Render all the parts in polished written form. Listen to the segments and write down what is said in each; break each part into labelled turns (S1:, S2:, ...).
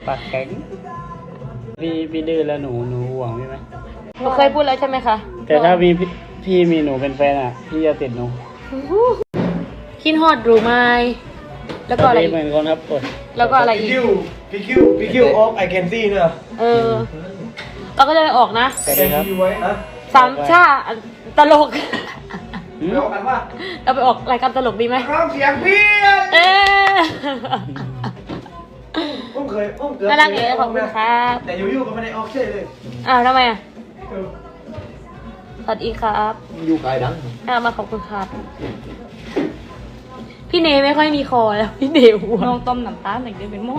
S1: ปากแข็งพี่ดื้อแล้วหนูห่วงพี่ไหม
S2: หนูเคยพูดแล้วใช่ไหมคะ
S1: แต่ถ้าพี่มีหนูเป็นแฟนอ่ะพี่จะติดหนู
S2: คิดฮอดหรือไม่แล้วก็อะไรอีก
S1: เหมือนคนครับกด
S2: แล้วก็อะไรอีก
S3: พี่คิวออฟไอแคนซี่เนี่ย
S2: เราก็จะไปออกนะ
S1: สวัสดีครับ
S3: ไว้นะ
S2: สามชาตลก
S3: ไปออกกันว่า
S2: เราไปออกรายการตลกดีไหม
S3: ร้องเสียงพี่
S2: เอ๊ะ
S3: ผมเกือบ
S2: น่ารักเลยขอบคุณครับ
S3: แต่อยู่ๆก็ไม่ได้ออกเช่เลย
S2: ทำไมสวัสดีครับ
S3: อยู่ไกลดัง
S2: มาขอบคุณครับพี่เนไม่ค่อยมีคอแล้วพี่เนอ้วนน้องต้มน้ำตาลหนึ่งเดือนเป็นโม่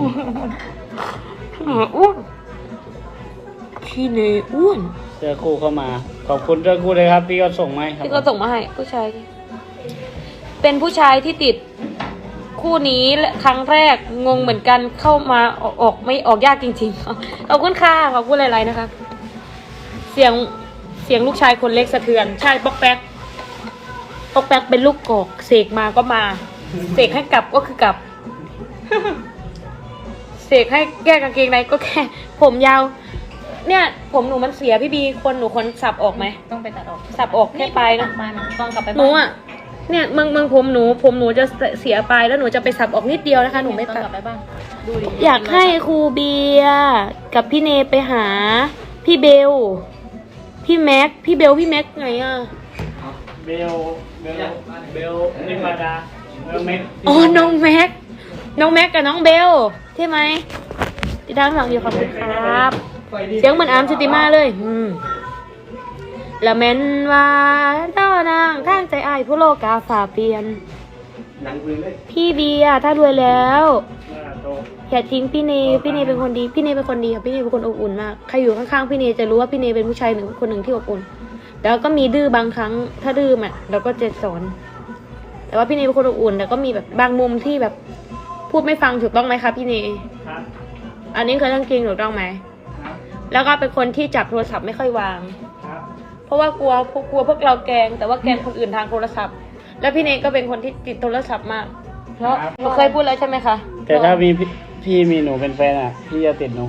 S2: อ้วนพี่เนอ้วน
S1: เจอคู่เข้ามาขอบคุณเจอคู่เลยครับพี่ก็ส่งมาให้ครับ
S2: ที่ก็ส่งมาให้ผู้ชายเป็นผู้ชายที่ติดคู่นี้ครั้งแรกงงเหมือนกันเข้ามาออกไม่ออกยากจริงๆขอบคุณค่ะขอบคุณหลายๆนะคะเสียงลูกชายคนเล็กสะเทือนใช่ป๊อกแป๊กเป็นลูกกอกเสกมาก็มาเสกให้กลับก็คือกลับเสกให้แก้กางเกงในก็แค่ผมยาวเนี่ยผมหนูมันเสียพี่บีหนูคนสับออกไหมต้องไปตัดออกสับออกแค่ปลายนะต้องกลับไปหนูอ่ะเนี่ยมึงผมหนูจะเสียปลายแล้วหนูจะไปสับออกนิดเดียวนะคะหนูไม่ตัดอยากให้ครูเบียร์กับพี่เนไปหาพี่เบลพี่แม็กไงอ่ะ
S1: เบลนิมาดาเมก
S2: อ๋อน้องแม็กกับน้องเบลใช่ไหมติดตามฟังอยู่ขอบคุณครับเสียงเหมือนอาร์มชุติมาเลยละเมนว่าเจ้านางข้างใจอายผู้โลกาฝ่าเปลี่ยนพี่เบียร์ถ้ารวยแล้วอย่าทิ้งพี่เนเป็นคนดีพี่เนเป็นคนดีค่ะพี่เนเป็นคนอบอุ่นมากใครอยู่ข้างๆพี่เนจะรู้ว่าพี่เนเป็นผู้ชายคนหนึ่งที่อบอุ่นแล้วก็มีดื้อบางครั้งถ้าดื้ออ่ะเราก็จะสอนแต่ว่าพี่เนเป็นคนอบอุ่นแต่ก็มีแบบบางมุมที่แบบพูดไม่ฟังถูกต้องไหมคะพี่เนอันนี้คือเรื่องจริงถูกต้องไหมแล้วก็เป็นคนที่จับโทรศัพท์ไม่ค่อยวางเพราะว่ากลัวพวกเราแกล้งแต่ว่าแกล้งคนอื่นทางโทรศัพท์แล้วพี่เนก็เป็นคนที่ติดโทรศัพท์มากเพราะเราเคยพูดแล้วใช่ไหมคะ
S1: แต่ถ้าพี่มีหนูเป็นแฟนอ่ะพี่จะติดหนู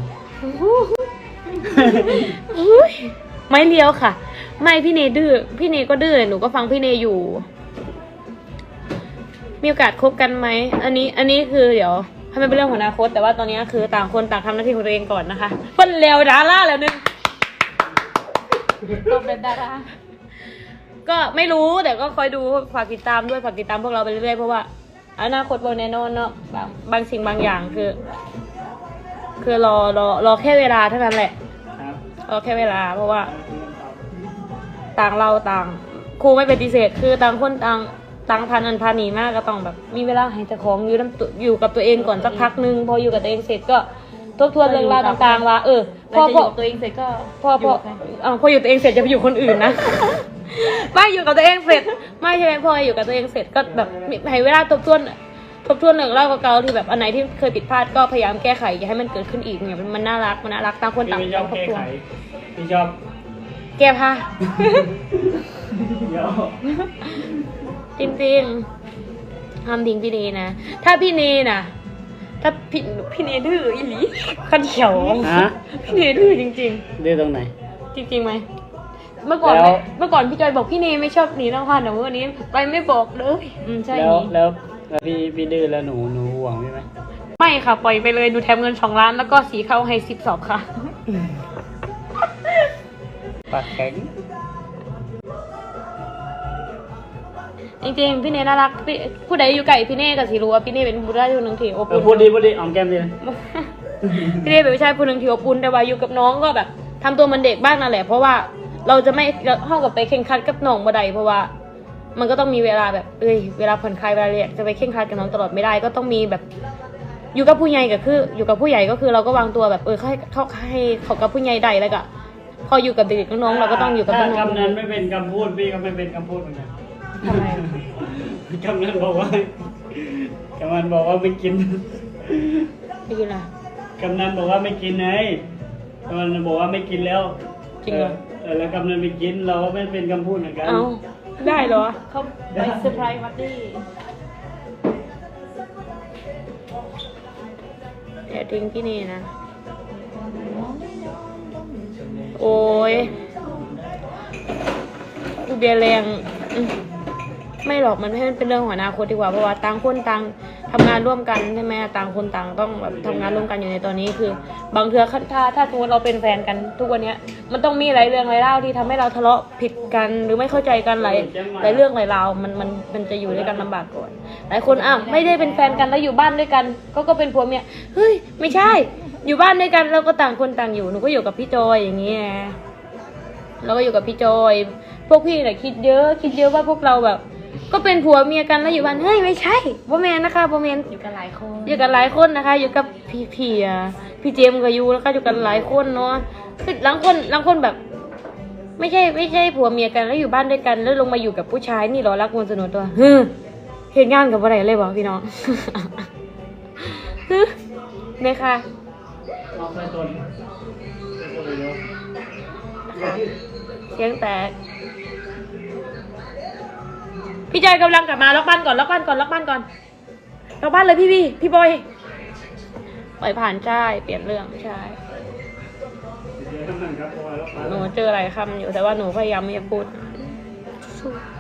S2: ไม่เลี้ยวค่ะไม่พี่เนดื้อพี่เนก็ดื้อหนูก็ฟังพี่เนอยู่มีโอกาสคบกันไหมอันนี้คือเดี๋ยวให้มันเป็นเรื่องของอนาคตแต่ว่าตอนนี้คือต่างคนต่างทำหน้าที่ของตัวเองก่อนนะคะคนเลวดาราแล้วนึงตบเป็นดาราก็ไม่รู้แต่ก็คอยดูฝากติดตามด้วยฝากติดตามพวกเราไปเรื่อยๆเพราะว่าอนาคตบนแน่นอนเนาะบางสิ่งบางอย่างคือรอแค่เวลาเท่านั้นแหละรอแค่เวลาเพราะว่าต่างเราต่างครูไม่ปฏิเสธคือต่างคนต่างพันอันพานีมากก็ต้องแบบมีเวลาให้เจ้าของอยู่กับตัวเองก่อนสักพักนึงพออยู่กับตัวเองเสร็จก็ทบทวนเรื่องราวต่างๆว่าพอตัวเองเสร็จก็พออยู่ตัวเองเสร็จจะไปอยู่คนอื่นนะไม่อยู่กับตัวเองเสร็จไม่ใช่ไหมพออยู่กับตัวเองเสร็จก็แบบให้เวลาทบทวนเรื่องราวเก่าๆที่แบบอันไหนที่เคยผิดพลาดก็พยายามแก้ไขอย่าให้มันเกิดขึ้นอีกเนี่ยมันน่ารักต่างคนต่างทบทวน
S1: พี่ชอบ
S2: แก้ผ้าจริงๆทำทิ้งพี่เนนะถ้าพี่เนนะถ้าพี่เนดื้ออีหลีขันเขียวพี่เนดื้อจริงๆ
S1: ดื้อตรงไหน
S2: จริงๆไหมเมื่อก่อนพี่จอยบอกพี่เนไม่ชอบหนีนอกบ้านแต่วันนี้ไปไม่บอกเลยใช่
S1: แล้วพี่ดื้อแล้วหนูห่วงพี่ไหม
S2: ไม่ค่ะปล่อยไปเลยดูแถมเงิน2 ล้านแล้วก็สีเข้าให้10 สอบค่ะ
S1: ปากแข็ง
S2: จริงๆพี่เนน่ารักผู้ใดอยู่ไกลพี่เนก็สิรู้ว่าพี่เนเป็นผู้ชายคนหนึ่งที่อบอุ่น
S1: พูดดีออมแก้มดี
S2: พี่เนเป็นผู้ชายคนหนึ่งที่อบอุ่นแต่ว่าอยู่กับน้องก็แบบทำตัวมันเด็กบ้างนั่นแหละเพราะว่าเราจะไม่เข้ากับไปเข่งคัดกับน้องบ่ได้เพราะว่ามันก็ต้องมีเวลาแบบเวลาผ่อนคลายเวลาเรียนจะไปเข่งคัดกับน้องตลอดไม่ได้ก็ต้องมีแบบอยู่กับผู้ใหญ่ก็คืออยู่กับผู้ใหญ่ก็คือเราก็วางตัวแบบให้เขากับผู้ใหญ่ได้แล้วก็พออยู่กับเด็กน้องเราก็ต้องอยู่กับน้อง
S1: คำนั้นไม่เป็นคำพูดพี่ก็ไม่เป็นคำพูดเหมือนกัน
S2: ทำไม
S1: คำนั้นบอกว่าไม่กิน
S2: ไม่กินอะไร
S1: คำนั้นบอกว่าไม่กินไงคำนั้นบอกว่าไม่กินแล้ว
S2: จริงเหรอ
S1: แล้วคำนั้นไม่กินเราก็ไม่เป็นคำพูดเหมือนกัน
S2: ได้เหรอเขาไปเซอร์ไพรส์ปาร์ตี้อย่าทิ้งพี่เนนะโอ้ยเบียร์แรงไม่หรอกมันให้มันเป็นเรื่องของอนาคตดีกว่าเพราะว่าต่างคนต่างทำงานร่วมกันใช่ไหมต่างคนต่างต้องแบบทำงานร่วมกันอยู่ในตอนนี้คือบางเทื่อถ้าสมมติเราเป็นแฟนกันทุกวันเนี้ยมันต้องมีหลายเรื่องหลายเล่าวที่ทำให้เราทะเลาะผิดกันหรือไม่เข้าใจกันหลายเรื่องหลายราวมันจะอยู่ด้วยกันลำบากก่อนหลายคนไม่ได้เป็นแฟนกันแล้วอยู่บ้านด้วยกันก็เป็นผัวเมียเฮ้ยไม่ใช่อยู่บ้านด้วยกันเราก็ต่างคนต่างอยู่หนูก็อยู่กับพี่จอยอย่างเงี้ยเราก็อยู่กับพี่จอยพวกพี่เนี่ยคิดเยอะว่าพวกเราแบบก็เป็นผัวเมียกันแล้วอยู่บ้านเฮ้ยไม่ใช่บ่แมนนะคะบ่แมนอยู่กันหลายคนนะคะอยู่กับพี่เจมส์กับยูแล้วก็อยู่กันหลายคนเนาะคือหลังคนแบบ ไม่ใช่ผัวเมียกันแล้วอยู่บ้านด้วยกันแล้วลงมาอยู่กับผู้ชายนี่เหรอรักมวลสนุนตัวเห็นงานกับอะไรเลยบอกพี่น้องเนี่ยค่ะ
S1: น้องใส่ตัวนี้เยอะ
S2: เสียงแตกพี่จอยกำลังกลับมาล็อกบ้านก่อนล็อกบ้านเลยพี่บอยปล่อยผ่านใช่เปลี่ยนเรื่องใช่หนูเจออะไรคำอยู่แต่ว่าหนูพยายามไม่จะพูด